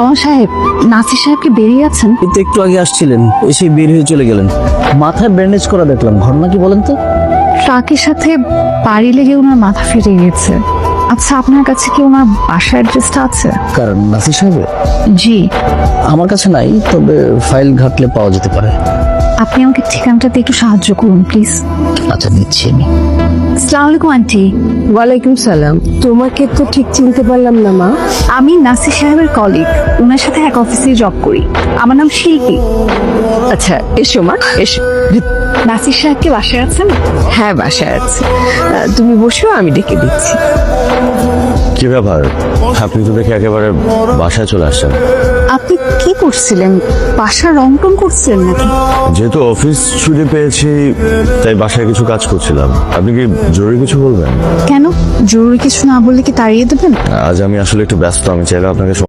তমা সাহেব, নাসির সাহেবকে বেরিয়ে আছেন? কিন্তু একটু আগে আসছিলেন, এসে বের হয়ে চলে গেলেন। মাথায় ব্যান্ডেজ করা দেখলাম, ঘটনা কি বলেন তো? ট্রাকের সাথে বাড়ি লেগে ওনার মাথা ফেটে গিয়েছে। আচ্ছা, আপনার কাছে কি ওনার বাসার অ্যাড্রেসটা আছে? কারণ নাসির সাহেবের জি। আমার কাছে নাই, তবে ফাইল ঘাটলে পাওয়া যেতে পারে। আপনি আমাকে ঠিকানাটাতে একটু সাহায্য করুন প্লিজ। আচ্ছা, দিচ্ছি আমি। আসসালামু আলাইকুম আন্টি। ওয়ালাইকুম সালাম। তোমাকে তো ঠিক চিনতে পারলাম না মা। আমি নাসির সাহেবের কলিগ, ওনার সাথে এক অফিসে জব করি। আমার নাম শিল্পী। আচ্ছা, এসো মা, এসো। নাসির সাহেবকে বাসায় আছেন? হ্যাঁ, বাসায় আছে। তুমি বসো, আমি ডেকে দিচ্ছি। কি ব্যাপার, আপনি তো দেখে একেবারে বাসায় চলে আসছেন। আপনি কি করছিলেন? বাসা রং টং করছিলেন নাকি? যেহেতু অফিস ছুটি পেয়েছি তাই বাসায় কিছু কাজ করছিলাম। আপনি কি জরুরি কিছু বলবেন? কেন, জরুরি কিছু না বললে কি তাড়িয়ে দেবেন? আজ আমি আসলে একটু ব্যস্ত, আমি চাইলে আপনাকে